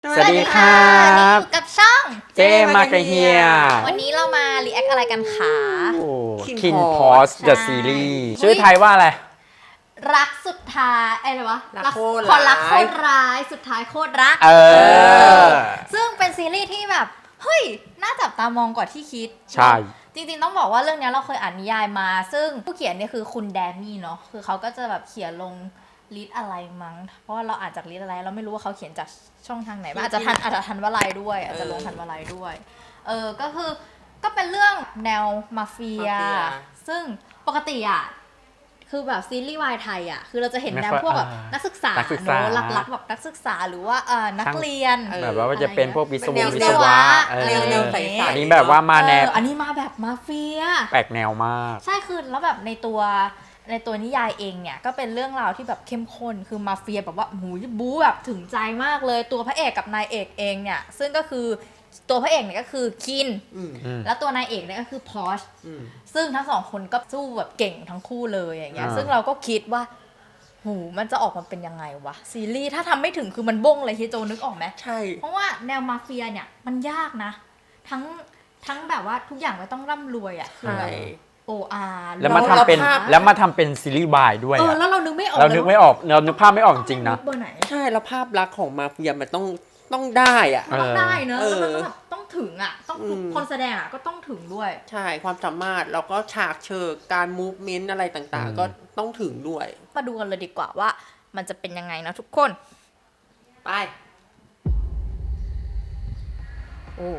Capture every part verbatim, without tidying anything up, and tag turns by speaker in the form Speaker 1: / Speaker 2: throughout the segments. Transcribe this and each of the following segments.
Speaker 1: สวัสดีครับ
Speaker 2: นี่อยู่กับช่อง
Speaker 1: เจมากะเฮีย
Speaker 2: วันนี้เรามารีแอคอะไรกันคะ
Speaker 1: คินพอสเดอะซีรีส์ชื่อไทยว่าอะไร
Speaker 2: รักสุดท้ายอะไรวะ
Speaker 3: รักโคตร
Speaker 2: คนรัก
Speaker 3: ร้าย
Speaker 2: โคตรร้ายสุดท้ายโคตรรัก
Speaker 1: เออ
Speaker 2: ซึ่งเป็นซีรีส์ที่แบบเฮ้ยน่าจับตามองกว่าที่คิด
Speaker 1: ใช่
Speaker 2: จริงๆต้องบอกว่าเรื่องนี้เราเคยอ่านนิยายมา ซึ่งผู้เขียนเนี่ยคือคุณแดมี่เนาะคือเขาก็จะแบบเขียนลงลิสอะไรมั้งเพราะว่าเราอ่านจากลิสอะไรเราไม่รู้ว่าเขาเขียนจากช่องทางไหนบ้างอาจจะทันอาจจะทันวลัยด้วยอาจจะลงทันวลัยด้วยเออก็คือก็เป็นเรื่องแนวมาเฟีย
Speaker 3: มาเฟีย
Speaker 2: ซึ่งปกติอ่ะคือแบบซีรีส์วายไทยอ่ะคือเราจะเห็นแนว
Speaker 1: ไม่ค่อย
Speaker 2: พวกแบบ
Speaker 1: อ่านั
Speaker 2: นักศึกษา
Speaker 1: นักศึกษา
Speaker 2: เนอะรักๆแบบนักศึกษาหรือว่าเออนักเรียน
Speaker 3: เออ
Speaker 1: แบบว่าจะเป็นพวกวิศว
Speaker 3: เป็น
Speaker 1: ง
Speaker 3: แนว
Speaker 1: วิศวะเออ
Speaker 3: แนวแนวใสๆ
Speaker 1: อันนี้แบบว่ามาแนว
Speaker 2: เอออันนี้มาแบบมาเฟีย
Speaker 1: แปลกแนวมาก
Speaker 2: ใช่คือแล้วแบบในตัวในตัวนิยายเองเนี่ยก็เป็นเรื่องราวที่แบบเข้มข้นคือมาเฟียแบบว่าหูยบู๊แบบถึงใจมากเลยตัวพระเอกกับนายเอกเองเนี่ยซึ่งก็คือตัวพระเอกเนี่ยก็คือคิน
Speaker 3: อืม
Speaker 1: อืม
Speaker 2: แล้วตัวนายเอกเนี่ยก็คือพอช
Speaker 3: อืม
Speaker 2: ซึ่งทั้งสองคนก็สู้แบบเก่งทั้งคู่เลยอย่างเงี้ย
Speaker 1: อ่า
Speaker 2: ซึ่งเราก็คิดว่าหูมันจะออกมาเป็นยังไงวะซีรีส์ถ้าทำไม่ถึงคือมันบ้งเลยเฮียโจนึกออกไหม
Speaker 3: ใช่
Speaker 2: เพราะว่าแนวมาเฟียเนี่ยมันยากนะ ทั้งทั้งแบบว่าทุกอย่างไม่ต้องร่ำรวยอ่ะคือ
Speaker 3: ใช่
Speaker 2: แบบโออาร์
Speaker 1: แล้วมาทำเป็น
Speaker 3: เราภาพ
Speaker 1: แล้วมาทำเป็นซีรีส์วายด้วย
Speaker 2: เออ
Speaker 1: อะ
Speaker 2: แล้วเรานึกไม่ออก
Speaker 1: เรานึกไม่ออกเรานึกภาพไม่ออกจริงๆนะ
Speaker 2: เบอร์ไหน
Speaker 3: ใช่แล้วภาพลักษณ์ของมาเฟียมันต้องต้องได้อ่ะ
Speaker 2: มันต้องได้เนอะ
Speaker 3: เออ
Speaker 2: แล้วมันก็แบบต้องถึงอ่ะต้อง
Speaker 3: อืม
Speaker 2: คนแสดงอ่ะก็ต้องถึงด้วย
Speaker 3: ใช่ความสามารถแล้วก็ฉากเชิงการมูฟเมนต์อะไรต่าง
Speaker 1: อืม
Speaker 3: ๆ ก็ต้องถึงด้วย
Speaker 2: มาดูกันเลยดีกว่าว่ามันจะเป็นยังไงนะทุกคน
Speaker 3: ไป
Speaker 2: โอ้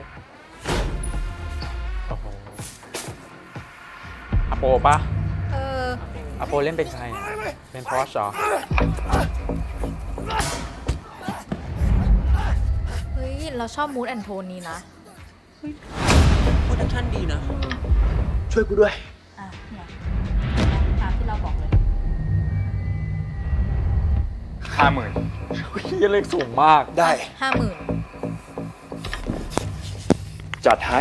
Speaker 1: โอ้โหอโปปะ
Speaker 2: เออ
Speaker 1: อโปเล่นเป็นใครอะเป็นพอสเหรอ
Speaker 2: เฮ้ยเราชอบมูดแอนโทนนี้นะ
Speaker 3: โปรดักชั่นดีนะ
Speaker 1: ช่วยกูด้วย
Speaker 2: อ่ะเนี่ยตามที่เราบอกเลย
Speaker 4: ห้าหมื่น
Speaker 1: เฮียเลขสูงมาก
Speaker 4: ได้
Speaker 2: ห้าหมื่น
Speaker 4: จัดให้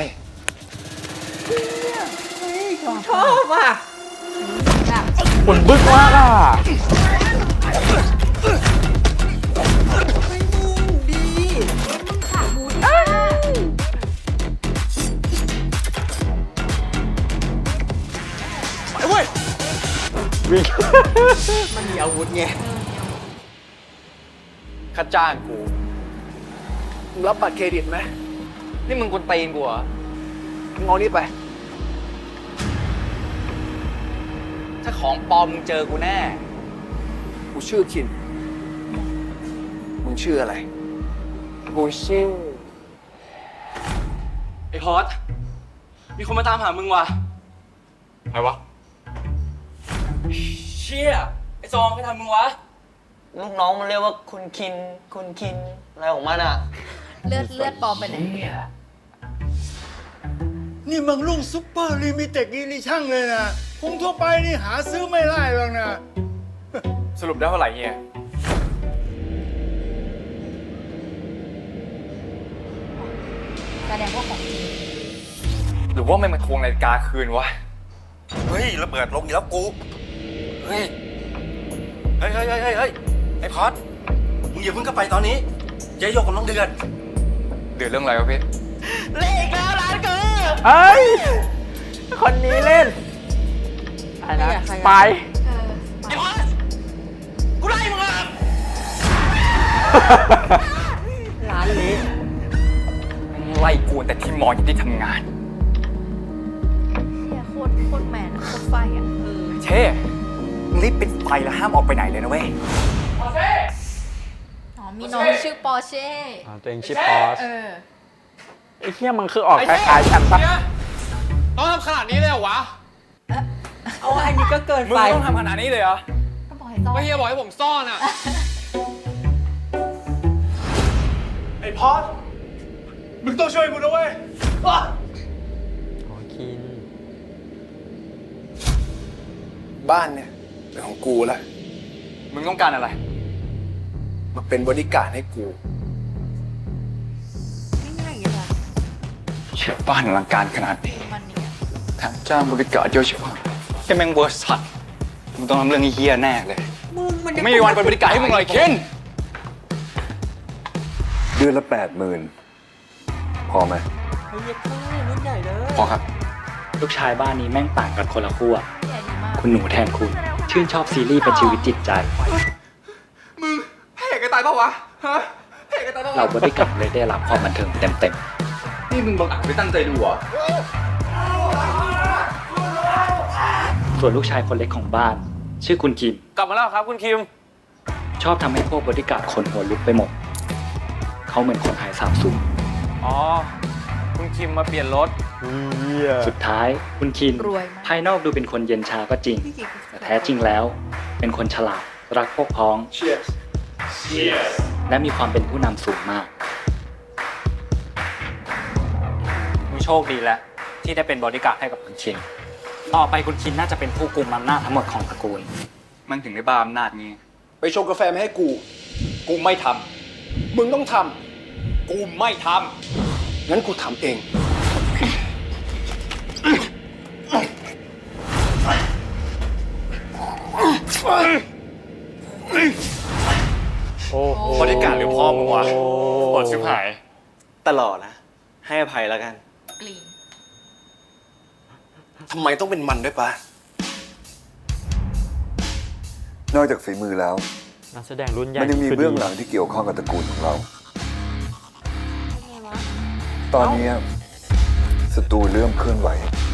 Speaker 3: ชอบอ่ะ
Speaker 2: แบบ
Speaker 1: คนบึ้กมากอ่ะ
Speaker 3: ไม่มึงดี
Speaker 2: ขาดมูดมาก
Speaker 4: ไปเว้ย
Speaker 1: วิ่ง
Speaker 3: มันมีอาวุธไง
Speaker 4: ค่าจ้างกู
Speaker 5: มึงรับบัตรเครดิตไหม
Speaker 4: นี่มึงกวนตีนกูเหรอ
Speaker 5: มึงเอานี่ไป
Speaker 4: ถ้าของปลอมมึงเจอกูแน่
Speaker 5: กูชื่อคิน มึงชื่ออะไร
Speaker 4: กูชื่อไอ้ฮอตมีคนมาตามหามึงว่ะใครวะ เชี่ย ไอ้ซองใครทำมึงวะ
Speaker 6: ลูกน้องมันเรียกว่าคุณคิน คุณคิน อะไรของมันอ่ะ
Speaker 2: เลือดเลือดปลอมไปไหน
Speaker 7: นี่มันรุ่งซุปเปอร์ลิมิเต็ดอีดิชั่นเลยนะคงทั่วไปนี่หาซื้อไม่ได้หรอกนะ
Speaker 4: สรุปได้เท่าไหร่เฮีย
Speaker 2: แสดงว่าของจริง
Speaker 4: หรือว่าไม่มาทวงนาฬิกาคืนวะ
Speaker 8: เฮ้ยระเบิดลงอีกแล้วกู เฮ้ย เฮ้ยเฮ้ยเฮ้ยเฮ้ยเฮ้ยไอ้พอดมึงอย่าเพิ่งเข้าไปตอนนี้ยายโยกกับน้องเดือน
Speaker 4: เดือดเรื่องอะไรวะพี่
Speaker 1: เอ้ย คนนี้เล่นอะไรนะ
Speaker 3: ใครอะใครอะ
Speaker 1: ไป
Speaker 2: เออ
Speaker 8: ไอ้พอดกูไล่มึงอ่ะ
Speaker 3: ร้านเละ
Speaker 4: ไล่กูแต่ที่มออยู่ที่ทำงาน
Speaker 2: เฮียโคตรโคตรแมนอะโคตรไฟอ่ะ
Speaker 4: เช่มึงรีบปิดไฟแล้วห้ามออกไปไหนเลยนะเว้ย
Speaker 2: อ๋อมีน้องชื่อปอร์เช่
Speaker 1: อ่าตัวเองชื่อพอส
Speaker 2: เออ
Speaker 1: ไอ้เฮียมันคือออกคล้ายๆกันปะ
Speaker 4: ต้องทำขนาดนี้เลยเหรอวะ
Speaker 3: เอาอันนี้ก็เกิน
Speaker 4: มึง
Speaker 3: ไป
Speaker 4: ต้องทำขนาดนี้เลยเหรอ
Speaker 2: ก็บอกให้ต้อน
Speaker 4: ก็เฮียบอกให้ผมซ่อนอ่ะ
Speaker 7: ไอ้พอดมึงต้องช่วยกูนะเว้ยอ้า
Speaker 1: อ๋อคิน
Speaker 5: บ้านเนี่ยเป็นของกูละ
Speaker 4: มึงต้องการอะไร
Speaker 5: มาเป็นบริการดให้กู
Speaker 2: ง่ายๆอย่างเงี้ย
Speaker 4: เชื่อบ้านอลังการขนาดนี้
Speaker 2: มันเนี่ย
Speaker 4: แถมจ้างบริการเยอะเชียวแค่แม่งเวอร์สัตว์มึงต้องทำเรื่องเฮี้ยแน่เลย
Speaker 3: มึงมันยัง
Speaker 4: ไม่มีวันเป็นบริการให้มึงเลยเคน
Speaker 5: เดือนละแปดหมื่นพอไหม
Speaker 3: เฮ้ยเย็ดแค่รุ่นใหญ่เลย
Speaker 4: พอครับ
Speaker 9: ลูกชายบ้านนี้แม่งต่างกันคนละขั้ว
Speaker 2: ใหญ่ดีมาก
Speaker 9: คุณหนูแทนคุณ ชื่นชอบซีรีส์เป็นชีวิตจิตใจ
Speaker 5: มึงแพ้กันตายปะวะ ฮะแพ้กันตายปะ
Speaker 9: เรา
Speaker 5: วะ
Speaker 9: บริการเลยได้รับความบันเทิงเต็ม
Speaker 5: นี่มึงบังอาจไม่ตั้งใจดูเหรอ
Speaker 9: ๆ ส่วนลูกชายคนเล็กของบ้าน ชื่อคุณคิม
Speaker 6: กลับมาแล้วครับคุณคิม
Speaker 9: ชอบทำให้พวกบริการคนหัวลุกไปหมด เขาเหมือนคนหายสาบสูญ
Speaker 6: อ๋อ คุณคิมมาเปลี่ยนรถ
Speaker 9: สุดท้ายคุณคิม
Speaker 2: รวยมาก
Speaker 9: ภายนอกดูเป็นคนเย็นชาก็จริง แต่แท้จริงแล้ว เป็นคนฉลาด รักพวกพ้อง และมีความเป็นผู้นำสูงมาก
Speaker 10: มึงโชคดีแล้วที่ได้เป็นบริการดให้กับคุณชิน ต่อไปคุณชินน่าจะเป็นผู้กุมอำนาจทั้งหมดของตระกูล
Speaker 4: มันถึงได้บ้าอำนาจงี้
Speaker 5: ไปชงกาแฟมาให้กู กูไม่ทำ มึงต้องทำ กูไม่ทำ งั้นกูทำเอง
Speaker 1: โอ้โห
Speaker 6: บริการหรือพ่อมึงวะปวดชิบหายตลอดนะ ให้อภัยแล้วกัน
Speaker 2: กลีน
Speaker 8: ทำไมต้องเป็นมันด้วยปะ
Speaker 5: นอกจากฝีมือแล้ว
Speaker 1: นักแสดงรุ่นใหญ่
Speaker 5: มันยังมี
Speaker 1: คือ
Speaker 5: เบื้อง
Speaker 1: ดี
Speaker 5: หลังที่เกี่ยวข้องกับตระกูลของเรา ตอนนี้ศัตรูเริ่มเคลื่อนไหว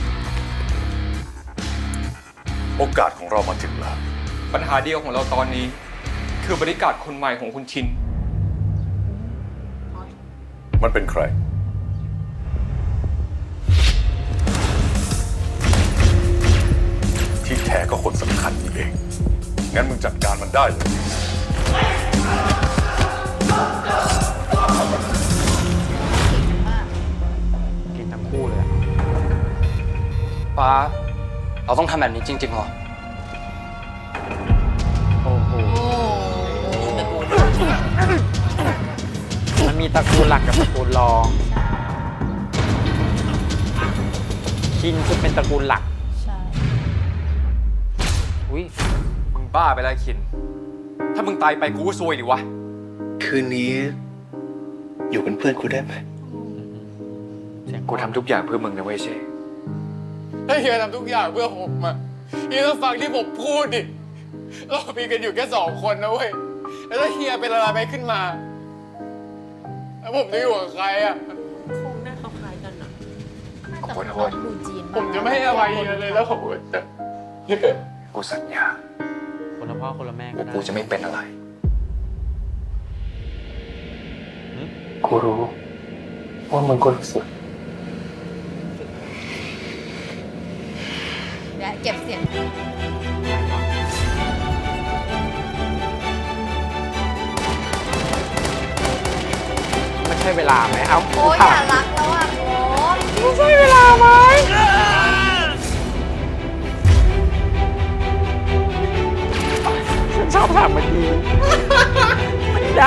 Speaker 8: โอกาสของเรามาถึงแล้ว
Speaker 4: ปัญหาเดียวของเราตอนนี้ คือบริการคนใหม่ของคุณชิน
Speaker 8: มันเป็นใคร ที่แท้ก็คนสำคัญนี่เอง งั้นมึงจัดการมันได้เลย
Speaker 1: กินทั้งคู่เลยอะ
Speaker 6: ป้า เราต้องทำแบบนี้จริงๆเหรอ
Speaker 1: โอ้โห
Speaker 2: โอ้โห
Speaker 1: มันมีตระกูลหลักกับตระกูลรองชินคือเป็นตระกูลหลัก
Speaker 2: ใช่
Speaker 1: อุ้ย
Speaker 4: มึงบ้าไปแล้วคิน ถ้ามึงตายไปกูก็ซวยดิวะ
Speaker 6: คืนนี้ อยู่เป็นเพื่อนกูได้ไหม
Speaker 1: เสียง
Speaker 4: กูทำทุกอย่างเพื่อมึงนะเว้ยเช
Speaker 7: ถ้าเฮียทำทุกอย่างเพื่อผมอะเฮียต้องฟังที่ผมพูดดิ เรามีกันอยู่แค่สองคนนะเว้ย แล้วถ้าเฮียเป็นอะไรไปขึ้นมา แล้วผมจะอยู่กับใครอะ
Speaker 3: คงหน้าเขาคล้ายกันอะ
Speaker 2: แต่มันต้องดูจีน
Speaker 7: ผมจะไม่ให้อภัยเฮียเลยแล้วผมจะ
Speaker 4: กูสัญญา
Speaker 1: คนละพ่อคนละแม่ก็
Speaker 4: ว่า
Speaker 1: ได้
Speaker 4: กูจะไม่เป็นอะไร
Speaker 1: หืม
Speaker 6: กูรู้ว่ามึงก็รู้สึก
Speaker 2: เดี๋ยวเก็บเสียง
Speaker 1: ไม่ใช่เวลาไหมเอา
Speaker 2: โอ้ย
Speaker 1: ถา
Speaker 2: อย่าม รักแล้วอ่ะโอ้ย
Speaker 1: ไม่ใช่เวลาไหมฉันชอบถามเมื่อกี้ไม่ได้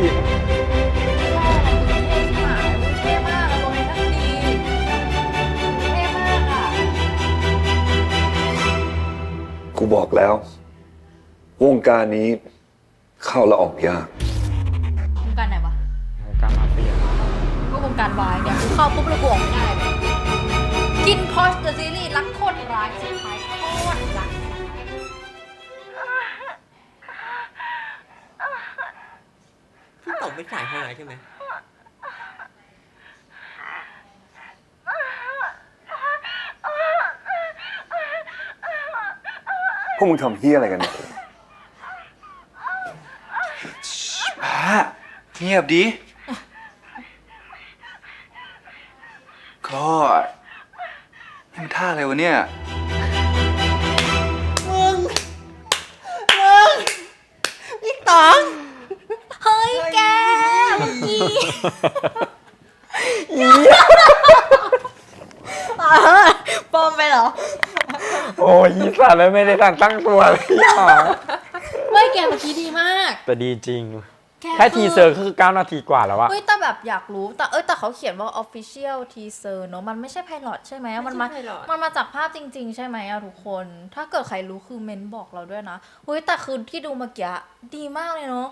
Speaker 2: เท่มากอะโลเคชั่นดีเท่มากอ่ะ
Speaker 5: กูบอกแล้ว วงการนี้เข้าและออกยาก
Speaker 2: วงการไหนวะ
Speaker 1: วงการมาเฟีย
Speaker 2: ก็วงการวายเนี่ยกูเข้าปุ๊บแล้วกูออกไม่ได้เลยกินพอชเดอะซีรีส์รักโคตรร้ายสุดท้ายโคตรรัก
Speaker 3: พี่ต๋องเป็นสายฮาใช่ไหม
Speaker 5: พวกมึงทำเฮี้ยอะไรกันเนี่ย
Speaker 4: ป้าเงียบดิ ก็นี่มันท่าอะไรวะเนี่ย
Speaker 3: พี่ต๋อง
Speaker 2: เฮ้ยแกเมื่อกี้ปลอมไปเหรอ
Speaker 1: โอ้ยยี่สัตว์เลยไม่ได้ทันตั้งตัวเลยอ่ะ
Speaker 2: ไม่แกเมื่อกี้ดีมาก
Speaker 1: แต่ดีจริง
Speaker 2: แก
Speaker 1: แค่ทีเซอร์ก็คือเก้านาทีกว่าแล้วอะ
Speaker 2: เฮ้ยแต่แบบอยากรู้แต่เอ้ยแต่เขาเขียนว่า official teaser เนอะมันไม่ใช่ไพลอตใช่ไหมมันมา
Speaker 3: ไม่ใช่ pilot
Speaker 2: มันมาจากภาพจริง ๆ ใช่ไหมอะทุกคน ถ้าเกิดใครรู้คือเมนบอกเราด้วยนะเฮ้ยแต่คือที่ดูเมื่อกี้ดีมากเลยเนอะ
Speaker 3: ภ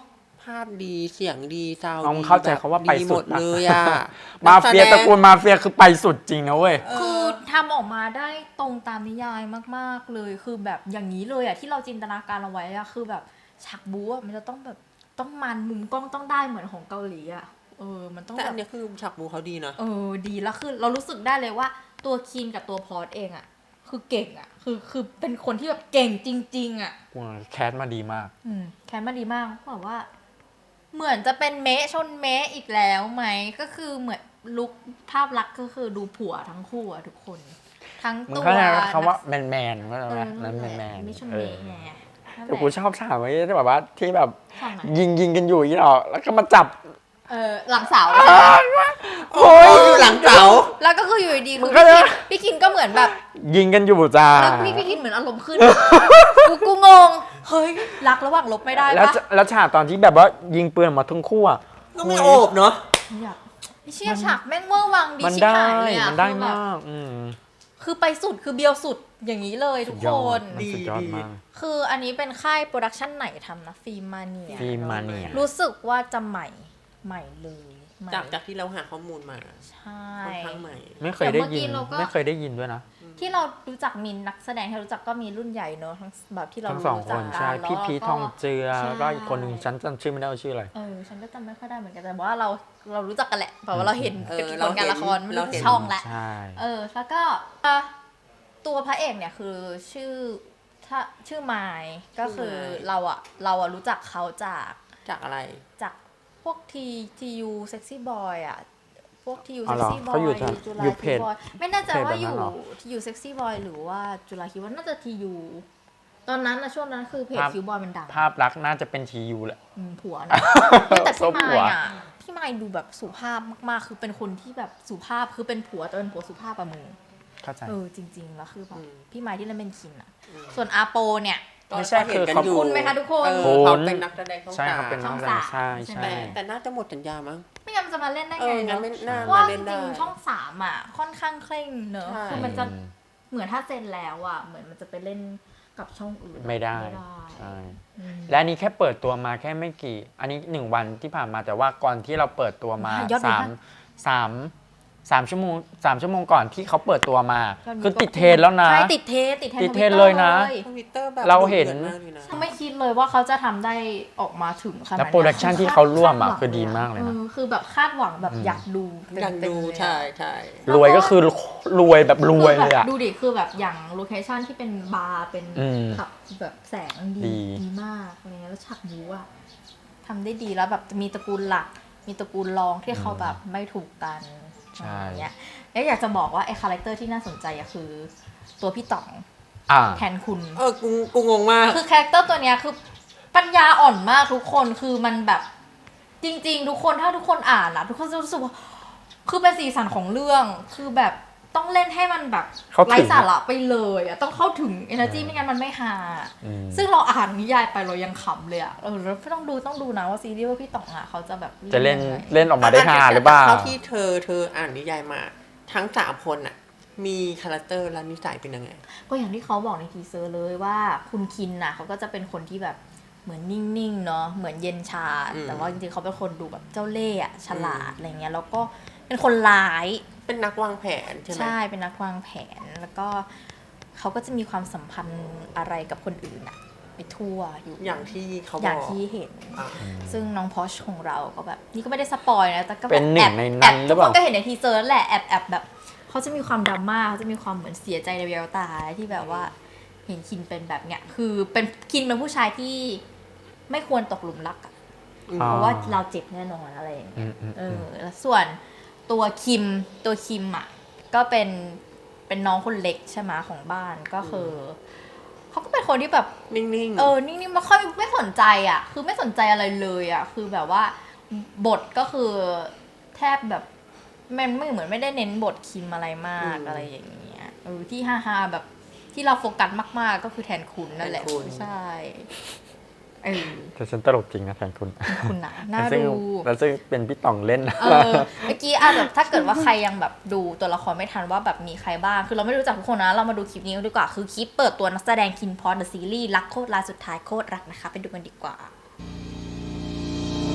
Speaker 3: าพดีเสียงดีซาวด์
Speaker 1: น้อง
Speaker 3: ดี
Speaker 1: เข้าใจเขาว่าไป
Speaker 3: ดีห
Speaker 1: สุ
Speaker 3: ม
Speaker 1: ด
Speaker 3: ด
Speaker 1: ปะ
Speaker 3: เลยอ่ะ
Speaker 1: มาเฟีย
Speaker 3: นักแสดง
Speaker 1: ตระกูลมาเฟียคือไปสุดจริงนะเว้ย
Speaker 2: คือทำออกมาได้ตรงตามนิยายมากๆเลยคือแบบอย่างนี้เลยอะที่เราจินตนาการเอาไว้อะคือแบบฉากบู๊อะมันจะต้องแบบต้องมันมุมกล้องต้องได้เหมือนของเกาหลีอะเออมันต้อง
Speaker 3: แต่
Speaker 2: แบ
Speaker 3: อั
Speaker 2: บ
Speaker 3: นเนี้ยคือฉากบูเขาดีนะ
Speaker 2: เออดีแล้วคือเรารู้สึกได้เลยว่าตัวคินกับตัวพอร์ตเองอะคือเก่งอะคือคือเป็นคนที่แบบเก่งจริง ๆอะ
Speaker 1: แคสมาดีมาก
Speaker 2: อืมแคนมาดีมากแบบว่า เหมือนจะเป็นเมะชนเมะอีกแล้วไหมก็คือเหมือนลุคภาพลักษณ์ก็คือดูผัวทั้งคู่อะทุกคน ทั้ง
Speaker 1: มึง
Speaker 2: ตัว
Speaker 1: เข้าใจคำว่า
Speaker 2: นัก
Speaker 1: แมนแมนๆก็ได้
Speaker 2: เอ
Speaker 1: ไหม
Speaker 2: อ
Speaker 1: นั่นแมนแมน
Speaker 2: ไม่ชน
Speaker 1: เอ
Speaker 2: เม
Speaker 1: อ
Speaker 2: ฆไงนั่นแห
Speaker 1: แต่
Speaker 2: ละ
Speaker 1: กูชอบฉากไว้ที่แบบว่าที่แบบ
Speaker 2: ฉากไหน
Speaker 1: ยิงยิงกันอยู่อย่างนี้หรอแล้วก็มาจับ
Speaker 2: เออหลังเสา
Speaker 3: โอ้ยอยู่หลังเสา
Speaker 2: แล้วก็คืออยู่ดีๆ
Speaker 1: มึ
Speaker 2: คื
Speaker 1: ง
Speaker 2: อ
Speaker 1: ก็
Speaker 2: พี่คินพี่คินก็เหมือนแบบ
Speaker 1: ยิงกันอยู่จ้า
Speaker 2: แล้วพี่พี่คินเหมือนอารมณ์ขึ้น กูกูงงเฮ้ยรักระหว่างลบไม่ได้
Speaker 1: แล้ว
Speaker 2: ปะ
Speaker 1: จะแล้วฉากตอนที่แบบว่ายิงปืนออกมาทั้งคู่อ่ะ
Speaker 3: ก็ไม่โอบเนาะ
Speaker 2: อยากไอ้เชี่ยฉากแม่งเมื่อวังดี
Speaker 1: มัน
Speaker 2: ชิบ
Speaker 1: ได้
Speaker 2: หายเลยอะ
Speaker 1: มันได้
Speaker 2: คือแบบ
Speaker 1: มากอืม
Speaker 2: คือไปสุดคือเบียวสุดอย่างนี้เลยทุก
Speaker 1: ย
Speaker 2: ค
Speaker 1: อด
Speaker 2: น
Speaker 1: มันสุดยอดมาก
Speaker 2: คืออันนี้เป็นค่ายโปรดักชันไหนทำนะฟิล์มมาเนีย
Speaker 1: ฟิล์มมาเนีย
Speaker 2: รู้สึกว่าจะใหม่ใหม่เลยใหม่
Speaker 3: จากจากที่เราหาข้อมูลมา
Speaker 2: ใช่
Speaker 3: ค่อนข้างใหม่
Speaker 1: ไม่เคยได้ยิน
Speaker 2: แต่เมื่อกี้เราก็
Speaker 1: ไม่เคยได้ยินด้วยนะ
Speaker 2: ที่เรารู้จักมีนักแสดงที่เรารู้จักก็มีรุ่นใหญ่เนอะทั้งแบบที่เรา
Speaker 1: ทั้งสอง
Speaker 2: รู้
Speaker 1: ค
Speaker 2: จัก
Speaker 1: น
Speaker 2: กั
Speaker 1: ใช่
Speaker 2: แล้ว
Speaker 1: พี่พีท
Speaker 2: ก็
Speaker 1: ทองเจือ
Speaker 2: ใช่
Speaker 1: แล้วก็อีกคนหนึ่งฉันจำชื่อไม่ได้ว่าชื่ออะไร
Speaker 2: เออฉันก็จำไม่ค่อยได้เหมือนกันแต่ว่าเราเรารู้จักกันแหละเพราะว่าเราเห็น
Speaker 3: เออ
Speaker 2: ผ
Speaker 3: เรา
Speaker 2: ล
Speaker 3: เห็น
Speaker 2: งานละครไม่
Speaker 3: เรา
Speaker 2: รู้
Speaker 3: เห็น
Speaker 2: ช่องแหละ
Speaker 1: ใช่
Speaker 2: เออแล้วก็อ่ะตัวพระเอกเนี่ยคือชื่อถ้าชื่อไมค์ก็คือเราอะเราอะรู้จักเขาจาก
Speaker 3: จากอะไร
Speaker 2: จากพวกทีทียูเซ็กซี่บอยอะพวกทียู
Speaker 1: อ๋อ
Speaker 2: เซ็
Speaker 1: เหรอ
Speaker 2: กซี่บอ
Speaker 1: เขาอยู่
Speaker 2: ย
Speaker 1: ทาง
Speaker 2: จุฬา
Speaker 1: อยู่
Speaker 2: คิ
Speaker 1: เพจ
Speaker 2: วบอยไม่แน่ใจว่า
Speaker 1: เพจแบบนั้
Speaker 2: อน ยู่
Speaker 1: เหรอ
Speaker 2: ทียูเซ็กซี่บอยหรือว่าจุฬาคิวบอยน่าจะทียูตอนนั้นนะช่วงนั้นคือเพจ
Speaker 1: ภาพ
Speaker 2: คิวบอยมันดัง
Speaker 1: ภาพลักษณ์น่าจะเป็นทียูแหละ
Speaker 2: อืมผัวนะแต่
Speaker 1: ซ
Speaker 2: พี่
Speaker 1: บ
Speaker 2: ไม
Speaker 1: หัว
Speaker 2: ค์อ่ะพี่ไมค์ดูแบบสุภาพมากๆ คือเป็นคนที่แบบสุภาพคือเป็นผัวแต่เป็นผัวสุภาพอะมึง
Speaker 1: เข้าใจ
Speaker 2: เออจริง ๆ แล้วคือแบบ
Speaker 3: อืม
Speaker 2: พี่ไมค์ที่เล่นเป็นคินอ่ะ ส่วนอาโปเนี่ย
Speaker 1: ไม่ใช่
Speaker 3: ก็เห็นกัน
Speaker 1: คือเขา
Speaker 3: อยู่
Speaker 2: คุณไหมคะทุกคน
Speaker 3: เออ
Speaker 1: คุณ
Speaker 3: เขาเป็นนักแสดงช่อง
Speaker 1: ใช่
Speaker 3: สา
Speaker 1: ครับ
Speaker 3: ม
Speaker 1: เป็นน้อง
Speaker 2: ช่อง
Speaker 1: ใช่
Speaker 2: สาม
Speaker 1: ใช่
Speaker 3: แต่แต่น่าจะหมดสัญญามั้ง
Speaker 2: ไม่งั้นมันจะมาเล่นได้
Speaker 3: เอ
Speaker 2: ไง
Speaker 3: องั้น
Speaker 2: เนาะ
Speaker 3: ไม่น่า
Speaker 2: ว่า
Speaker 3: มา
Speaker 2: จ
Speaker 3: เล่นได้
Speaker 2: ริงๆช่องสามอ่ะค่อนข้างเคร่งเนอะ
Speaker 3: ใช่
Speaker 2: คือมันจะเหมือนถ้าเซ็นแล้วอ่ะเหมือนมันจะไปเล่นกับช่องอื่น
Speaker 1: ไม่ได้
Speaker 2: ไม่ได้
Speaker 1: ใช่
Speaker 2: อืม
Speaker 1: และอันนี้แค่เปิดตัวมาแค่ไม่กี่ อันนี้หนึ่งวันที่ผ่านมาแต่ว่าก่อนที่เราเปิดตัวมา
Speaker 2: ยอดวิว
Speaker 1: สาม
Speaker 2: มาก
Speaker 1: สามสามชั่วโมงสามชั่วโมงก่อนที่เขาเปิดตัวมา
Speaker 2: ยดวิว
Speaker 1: คือติดเทรนด์แล้วนะ
Speaker 2: ใช่ติดเทรนด์ติดเทรนด์
Speaker 1: ติดเทรนด์
Speaker 2: Twitter
Speaker 1: เลยนะ
Speaker 3: ทวิตเตอร์แบบ
Speaker 1: เราเห็น
Speaker 3: ดุดือดมากเลยนะ
Speaker 2: ไม่คิดเลยว่าเขาจะทำได้ออกมาถึงขนาด
Speaker 1: แล้ว
Speaker 2: นี้
Speaker 1: โปรดักชันที่เขาร่วมอ่ะ
Speaker 2: คาหง
Speaker 1: คือดีมากเลยนะ
Speaker 2: ออคือแบบคาดหวังแบบอยากดูเต็มๆ
Speaker 3: อยากดู
Speaker 2: เลยอะ
Speaker 3: ใช่ใช่
Speaker 1: รวยก็คือรวยแบบรวยเลยอ่ะ
Speaker 2: คือแบบดูดิคือแบบอย่างโลเคชั่นที่เป็นบาร์เป็น
Speaker 1: อืม
Speaker 2: ขับแบบแสงดี
Speaker 1: ดี
Speaker 2: ดีมากอะไรเงี้ยแล้วฉากบู๊อะทำได้ดีแล้วแบบมีตระกูลหลัก มีตระกูลรองที่เขาแบบไม่ถูกกัน
Speaker 1: ใช่
Speaker 2: อะไรเงี้ยแล้วอยากจะบอกว่าไอ้คาแรคเตอร์ที่น่าสนใจอะคือ ตัวพี่ต๋อง
Speaker 1: อ่า
Speaker 2: แทนคุณ
Speaker 3: เออกูกูงงมาก
Speaker 2: คือคาแรคเตอร์ตัวเนี้ยคือปัญญาอ่อนมากทุกคนคือมันแบบจริง ๆ ทุกคนถ้าทุกคนอ่านนะทุกคนจะรู้สึกว่าคือเป็นสีสันของเรื่องคือแบบต้องเล่นให้มันแบบ
Speaker 1: เข้าถึง
Speaker 2: ไร้สาระไปเลยอ่ะต้องเข้าถึง energy ไม่งั้นมันไม่ฮา
Speaker 1: อืม
Speaker 2: ซึ่งเราอ่านนิยายไปเรายังขำเลยอ่ะเออแล้วต้องดูต้องดูนะว่าซีรีส์ว่าพี่ต๋องอ่ะเขาจะแบบ
Speaker 1: จะเล่น
Speaker 2: ยังไง
Speaker 1: เล่นออกมาได้ฮาหรือเปล่า
Speaker 3: เท่าที่เธอเธออ่านนิยายมา ทั้งสามคนอะมีคาแรคเตอร์และนิสัยเป็นยังไง
Speaker 2: ก็อย่างที่เขาบอกในทีเซอร์เลยว่าคุณคินน่ะเขาก็จะเป็นคนที่แบบเหมือนนิ่งๆเนาะเหมือนเย็นชา
Speaker 3: อืม
Speaker 2: แต่ว่าจริงๆเขาเป็นคนดูแบบเจ้าเล่ห์อะฉลาดอะไรเงี้ยแล้วก็เป็นคนร้าย
Speaker 3: เป็นนักวางแผนใช่ไหม
Speaker 2: ใช่เป็นนักวางแผนแล้วก็เขาก็จะมีความสัมพันธ์อะไรกับคนอื่นอะไปทั่วอยู่
Speaker 3: อย่างที่เขาบอก
Speaker 2: อย่างที่เห็น
Speaker 3: อ่ะ
Speaker 2: ซึ่งน้องพอชของเราก็แบบนี่ก็ไม่ได้สปอยนะแต่ก็แบบ
Speaker 1: เป็นหนึ่ง
Speaker 2: แอบ
Speaker 1: ในนั้น
Speaker 2: แอบ
Speaker 1: หรื
Speaker 2: ทุ
Speaker 1: อก เป
Speaker 2: ค
Speaker 1: ล่า
Speaker 2: นก็เห็นในทีเซอร์แหละแอบแอบแบบเขาจะมีความดราม่าเขาจะมีความเหมือนเสียใจในแววตาที่แบบว่าเห็นคินเป็นแบบเนี้ยคือเป็นคินเป็นผู้ชายที่ไม่ควรตกหลุมรักอะ
Speaker 3: อืม
Speaker 2: เพราะว่าเราเจ็บแน่นอนอะไรอย่างเงี้ย
Speaker 1: อืมอืม
Speaker 2: เออแล้วส่วนตัวคิมตัวคิมอ่ะก็เป็นเป็นน้องคนเล็กใช่ไหมของบ้านก็คือเขาก็เป็นคนที่แบบ
Speaker 3: นิ่งๆ
Speaker 2: เออ นิ่งๆไม่ค่อยไม่สนใจอ่ะ คือไม่สนใจอะไรเลยอ่ะ คือแบบว่าบทก็คือแทบแบบมันไม่เหมือนไม่ได้เน้นบทคิมอะไรมาก
Speaker 3: อืม
Speaker 2: อะไรอย่างเงี้ยเออที่ฮาๆแบบที่เราโฟกัสมากๆ ก็คือแทนคุณนั่นแหละ
Speaker 3: แทนคุณ
Speaker 2: ใช่เออ
Speaker 1: แต่ฉันตลกจริงนะแทนคุณ
Speaker 2: คุณนะน่า
Speaker 1: แล้วซึ่ง
Speaker 2: ดู
Speaker 1: แล้วซึ่งเป็นพี่ต่องเล่นนะ
Speaker 2: เออเมื่อกี้อาจแบบถ้าเกิดว่าใครยังแบบดูตัวละครไม่ทันว่าแบบมีใครบ้าง คือเราไม่รู้จักทุกคนนะ เรามาดูคลิปนี้กันดีกว่า คือคลิปเปิดตัวนักแสดงคินพอดเดอะซีรีส์รักโคตรลาสุดท้ายโคตรรักนะคะ ไปดูกันดีกว่า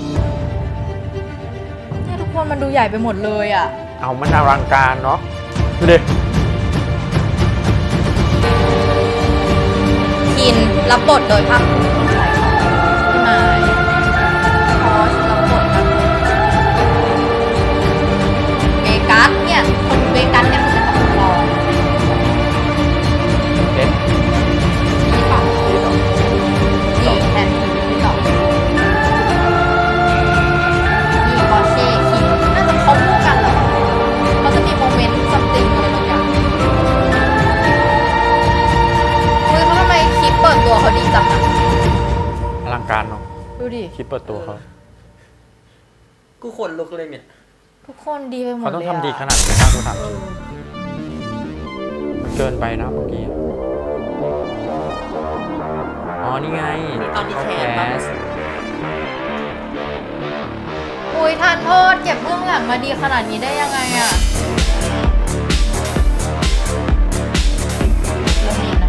Speaker 2: คนมันดูใหญ่ไปหมดเลยอ่ะ
Speaker 1: เอามันอลังการเนาะดูดิ
Speaker 2: คินรับบทโดยภาคภูมิพี่มายพอสรับบทแบบเวกัสเนี่ยคนเวกัสเนี่ยคือเป็นตำรวจ
Speaker 1: เด็ด
Speaker 2: ที่สองนี่แทนที่สองนี่พอเช่คินน่าจะเขาคู่กันเหรอเขาจะมีโมเมนต์ซัมติงอะไรบางอย่างเฮ้ยเขาทำไมคลิปเปิดตัวเขาดีจังอะ
Speaker 1: อลังการเนาะ
Speaker 2: ดูดิ
Speaker 1: คลิปเปิดตัวเขา
Speaker 3: กูขนลุกเลยเนี่ย
Speaker 2: ทุกคนดีไปหมด
Speaker 1: เขา
Speaker 2: เลย
Speaker 1: ต้อง
Speaker 2: อะ
Speaker 1: ทำดีขนาดไหนนะกูถามจริงมันเกินไปนะเมื่อกี้อ๋อนี่ไง
Speaker 3: ตอนที่แคส
Speaker 1: แค
Speaker 3: ปะ
Speaker 1: ส
Speaker 2: อุ้ยทานโทษเก็บเบื้องหลังมาดีขนาดนี้ได้ยังไงอะเรื่องนี้นะ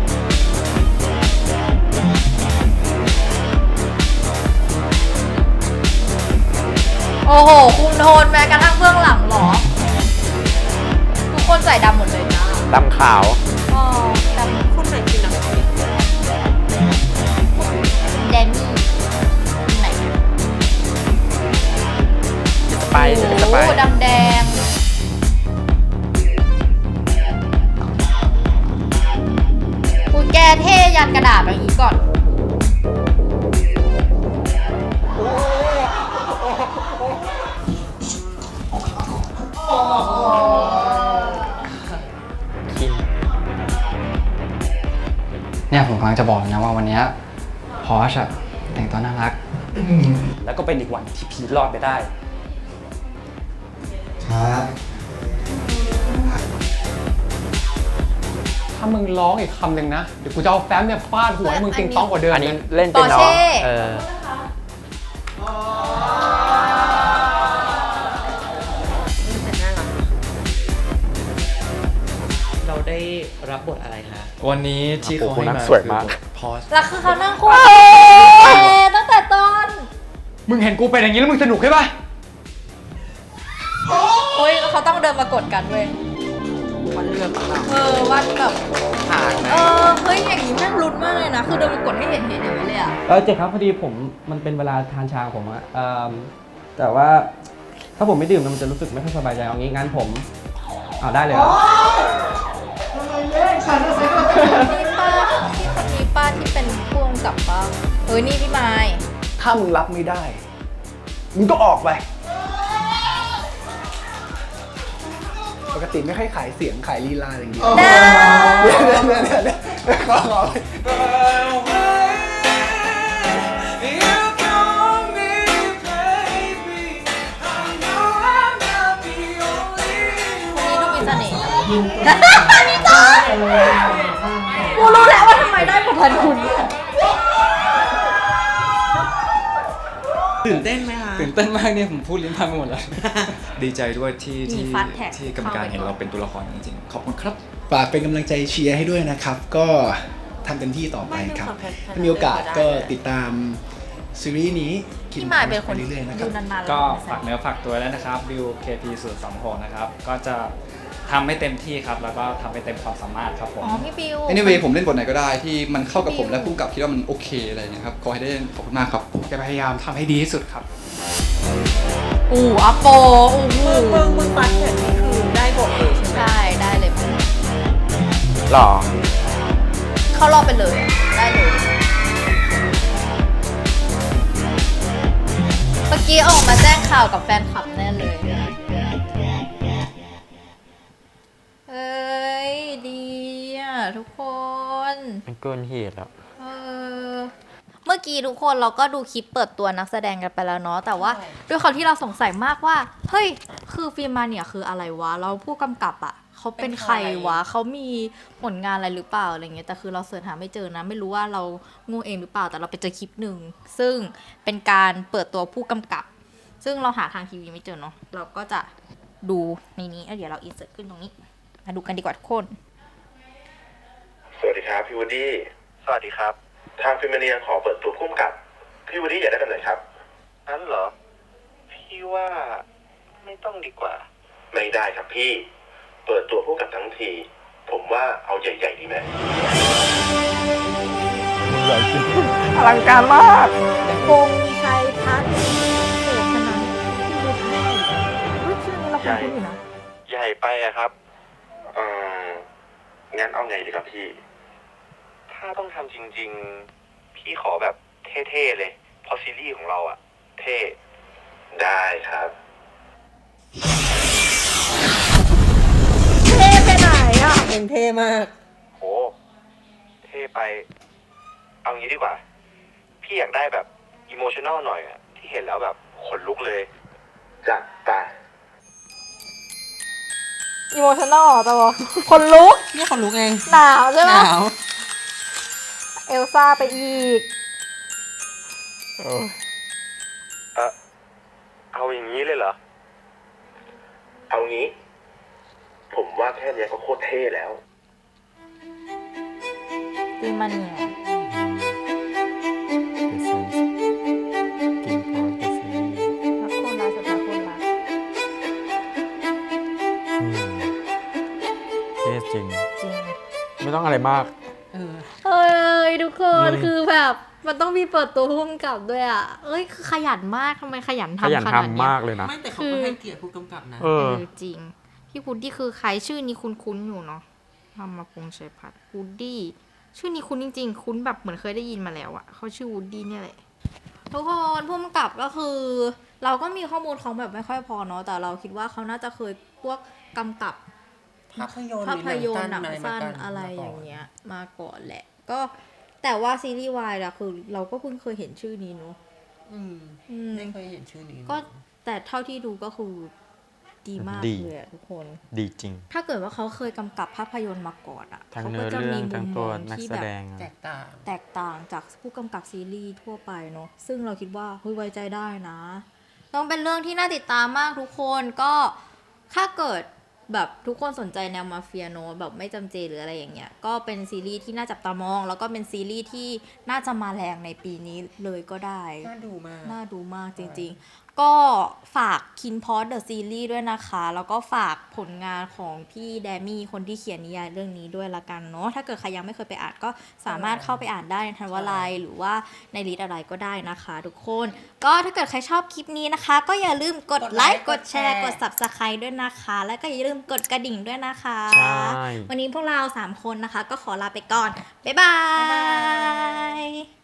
Speaker 2: โอ้โห คุมโทนแม้กระทั่งเบื้องหลังเหรอ ทุกคนใส่ดำหมดเลยนะ
Speaker 1: ดำขาว
Speaker 2: อ๋อดำ
Speaker 3: คนไหนคือนักเรียน
Speaker 2: แดนนี่ที่ไหน
Speaker 1: สไปร์เป็นสไป
Speaker 2: โอ้
Speaker 1: ร์
Speaker 2: ดำแดง กูแกเท่ยันกระดาษอย่างนี้ก่อน
Speaker 1: คิน
Speaker 9: เนี่ยผมกำลังจะบอกนะว่าวันเนี้พอชอะแต่งตัวน่ารัก
Speaker 10: แล้วก็เป็นอีกวันที่พีทรอดไปได้
Speaker 9: ครับ
Speaker 7: ถ้ามึงร้องอีกคำหนึ่งนะ เดี๋ยวกูจะเอาแฟ้มเนี่ยฟาดหัวให้มึงติงต้องกว่าเดิม
Speaker 1: อันนี้
Speaker 7: นะ
Speaker 1: เล่นเป็นน้อง
Speaker 2: ปอร์เช่
Speaker 1: เออ
Speaker 3: แต่น่ารักเราได้รับบทอะไรคะ
Speaker 11: วันนี้ที่เขาให้มา
Speaker 1: สวยมาก
Speaker 11: พอส
Speaker 2: แล้วคือเขานั่งคู่ตั้งแต่ต้น
Speaker 7: มึงเห็นกูเป็นอย่างนี้แล้วมึงสนุกใช่ปะ
Speaker 2: โอ้ยเขาต้องเดินมากดกันเว้ย
Speaker 3: วันเรื่องของเรา
Speaker 2: เออวันแบบ
Speaker 3: ผ่านไหม
Speaker 2: เออ เฮ้ย อย่างนี้แม่งลุ้นมากเลยนะ คือเดินมากดให้เห็นเห็นอย่างนี้เลยอะ
Speaker 12: เออเจ๊ครับพอดีผมมันเป็นเวลาทานชาของผมอะเอ่อแต่ว่าถ้าผมไม่ดื่มมันจะรู้สึกไม่ค่อยสบายใจเอางี้งั้นผมเอาได้เลยเหรอ
Speaker 2: นี่ป้าที่คนนี้ป้าที่เป็นพ่วงกับป้าเฮ้ย นี่พี่ไม้
Speaker 5: ถ้ามึงรับไม่ได้ มึงก็ออกไป ปกติไม่ค่อยขายเสียงขายลีลาอย่างเดียว
Speaker 2: ได้
Speaker 5: เดี๋ยวเดี๋ยวเดี๋ยวเดี๋ยวขอขอ
Speaker 2: คนนี้ดูมีเสน่ห์นี่จ้ากูรู้แล้วว่าทำไมได้ประพันธ์คุณ
Speaker 3: ตื่นเต้นไหมคะ
Speaker 11: ตื่นเต้นมากเนี่ยผมพูดลิ้นพังไปหมดแล้ว ดีใจด้วยที่
Speaker 2: มี
Speaker 11: ที่
Speaker 2: fast tag
Speaker 11: ที่กรรมการเห็นเราเป็นตัวละครจริงๆ ขอบคุณครับ
Speaker 5: ฝากเป็นกำลังใจเชียร์ให้ด้วยนะครับ ก็ทำเต็มที่ต่อไปครับ
Speaker 3: ไม่ต้องทำแพท
Speaker 5: ถ้ามีโอกาสก็ติดตามซีรีส์นี้
Speaker 2: พี่ไม้เป็นคน
Speaker 5: ไปเรื่อยๆนะค
Speaker 2: ดู
Speaker 5: รับ
Speaker 2: นานๆ
Speaker 10: ก็
Speaker 2: แล้ว
Speaker 10: ฝากเนื้อฝากตัวแล้วนะครับบิว เค พี ศูนย์ สอง หกนะครับ ก็จะทำให้เต็มที่ครับ แล้วก็ทำให้เต็มความสามารถครับผม
Speaker 2: อ๋อ พี่บิว
Speaker 11: anyway ผมเล่นบทไหนก็ได้ที่มันเข้ากับผมและผู้กำกับคิดว่ามันโอเคอะไรอย่างเงี้ยครับ ขอให้ได้เล่นขอบคุณมากครับ
Speaker 7: จะพยายามทำให้ดีที่สุดครับ
Speaker 2: อู่อัปโปอู้หู
Speaker 3: มึงมึงฟันแขนนี่คือได้บทเลยใช่ไหม
Speaker 2: ใช่ ได้เลยมึง
Speaker 1: หล่อ
Speaker 2: เข้ารอบไปเลย ได้เลย เมื่อกี้ออกมาแจ้งข่าวกับแฟนคลับแน่เลย เอ้ย ดีอ่ะ ทุกคน
Speaker 1: มันเกินเหตุแล้ว
Speaker 2: เออ เมื่อกี้ทุกคนเราก็ดูคลิปเปิดตัวนักแสดงกันไปแล้วเนาะ แต่ว่าด้วยความที่เราสงสัยมากว่า เฮ้ย คือฟิล์มมาเนี่ยคืออะไรวะ เราผู้กำกับอะเขาเป็นใครวะ เขามีผลงานอะไรหรือเปล่าอะไรเงี้ย แต่คือเราเสิร์ชหาไม่เจอนะ ไม่รู้ว่าเราโงูเองหรือเปล่า แต่เราไปเจอคลิปหนึ่ง ซึ่งเป็นการเปิดตัวผู้กำกับ ซึ่งเราหาทางทีวีไม่เจอเนาะ เราก็จะดูในนี้แล้วเดี๋ยวเราอินเสิร์ตขึ้นตรงนี้ มาดูกันดีกว่าทุกคน
Speaker 13: สวัสดีครับพี่วูดดี้
Speaker 8: สวัสดีครับ
Speaker 13: ทางฟิเมเนียขอเปิดตัวพุ่มกับ พี่วูดดี้อยากได้แบบไหนครับ
Speaker 8: นั้นเหรอ พี่ว่า
Speaker 6: ไม่ต้องดีกว่า
Speaker 13: ไม่ได้ครับพี่ เปิดตัวผู้กำกับทั้งที ผมว่าเอาใหญ่ๆดีไหม
Speaker 1: อลังการมาก
Speaker 2: พงชัยพัฒน์เศรษฐนันท์ที่ดูให้เฮ้ยชื่อนี้เราคุ้นๆอยู่นะ
Speaker 13: ใหญ่ไปอะครับ เอ่อ งั้นเอาไงดีครับพี่ ถ้าต้องทำจริงๆ พี่ขอแบบเท่ๆเลย เพราะซีรีส์ของเราอะเท่ ได้ครับ
Speaker 2: เท่ไปไหนอ่ะ
Speaker 3: เองเท่มาก
Speaker 13: โห เท่ไป เอางี้ดีกว่า พี่อยากได้แบบอิโมชัน a ลหน่อยอะที่เห็นแล้วแบบขนลุกเลยจัดไป
Speaker 2: อีโมชั่นอลแต่ว่าคนลุก
Speaker 3: นี่คนลุกเอง
Speaker 2: หนาวใช่ไหม
Speaker 3: หนาว
Speaker 2: เอลซ่าไปอีก
Speaker 13: เออเอาอย่างนี้เลยเหรอ เอางี้ ผมว่าแค่เนี้ยก็โคตรเท่แล้ว
Speaker 2: ตีมันเนี่ย รักคนรักสุดท้ายคนรัก
Speaker 1: เท่จริง
Speaker 2: จริง
Speaker 1: ไม่ต้องอะไรมาก
Speaker 2: เอ้ยทุกคน
Speaker 1: อืม
Speaker 2: คือแบบมันต้องมีเปิดตัวพุ่มกับด้วยอ่ะ เอ้ยคือขยันมากทำไมขยัน
Speaker 1: ขยัน
Speaker 2: ทำขนาดเนี้
Speaker 1: ทำมากเลยนะ
Speaker 3: ไม่แต่เขาก็ให้เกียรติผู้กำกับนะ
Speaker 1: เอ
Speaker 2: เอ
Speaker 1: อ
Speaker 2: อจริง พี่พุดดี้คือใครชื่อนี้คุ้นๆอยู่เนาะทำมาพงษ์ชัยพัฒน์วูดดี้ชื่อนี้คุ้นจริงๆ คุ้นแบบเหมือนเคยได้ยินมาแล้วอะเขาชื่อวูดดี้เนี่ยแหละ ทุกคนพุ่มกับก็คือ เราก็มีข้อมูลเขาแบบไม่ค่อยพอเนาะแต่เราคิดว่าเขาน่าจะเคยพวกกำกับ
Speaker 3: ภาพยนตร์
Speaker 2: ภาพยนตร์
Speaker 3: ห
Speaker 2: ห
Speaker 3: นั
Speaker 2: นั
Speaker 3: ง
Speaker 2: ง
Speaker 3: สั้
Speaker 2: สั้
Speaker 3: น
Speaker 2: น
Speaker 3: อะไร
Speaker 2: อะไร
Speaker 3: มาก่อน
Speaker 2: อย่างเงี้ยมาก่อนแหละ ก็แต่ว่าซีรีส์วายอะคือเราก็เพิ่งเคยเห็นชื่อนี้เนาะ
Speaker 3: อืม
Speaker 2: อืม
Speaker 3: ไม่เคยเห็นชื่อนี้
Speaker 2: ก็แต่เท่าที่ดูก็คือดีมาก
Speaker 1: ดี
Speaker 2: เลยอะทุกคน
Speaker 1: ดีจริง
Speaker 2: ถ้าเกิดว่าเขาเคยกำกับภาพยนตร์มาก่อนอะ
Speaker 1: ทั้ง
Speaker 2: เขา
Speaker 1: เนื้
Speaker 2: ก็
Speaker 1: อ
Speaker 2: จะ
Speaker 1: เรื่
Speaker 2: มี
Speaker 1: อง
Speaker 2: มุ
Speaker 1: ทั้ง
Speaker 2: ม
Speaker 1: ตัว
Speaker 2: มอง
Speaker 1: นัก
Speaker 2: ที่
Speaker 1: แส
Speaker 2: แบบ
Speaker 1: ดง
Speaker 3: แตกต่าง
Speaker 2: แตกต่างจากผู้กำกับซีรีส์ทั่วไปเนาะซึ่งเราคิดว่าเฮ้ยไว้ใจได้นะต้องเป็นเรื่องที่น่าติดตามมากทุกคนก็ถ้าเกิดแบบทุกคนสนใจแนวมาเฟียเนอะแบบไม่จำเจหรืออะไรอย่างเงี้ยก็เป็นซีรีส์ที่น่าจับตามอง แล้วก็เป็นซีรีส์ที่น่าจะมาแรงในปีนี้เลยก็ได้
Speaker 3: น่าดูมาก
Speaker 2: น่าดูมากจริงๆ ก็ฝาก Kin Pod The Series ด้วยนะคะ แล้วก็ฝากผลงานของพี่แดมี่คนที่เขียนนิยายเรื่องนี้ด้วยละกันเนาะ ถ้าเกิดใครยังไม่เคยไปอ่านก็สามารถเข้าไปอ่านได้ในทันวลัยหรือว่าในลิสต์อะไรก็ได้นะคะทุกคน ก็ถ้าเกิดใครชอบคลิปนี้นะคะ ก็อย่าลืมกดไลค์กดแชร์กด Subscribe ด้วยนะคะ แล้วก็อย่าลืมกดกระดิ่งด้วยนะคะ
Speaker 1: ใช่
Speaker 2: วันนี้พวกเราสามคนนะคะ ก็ขอลาไปก่อน บ๊ายบาย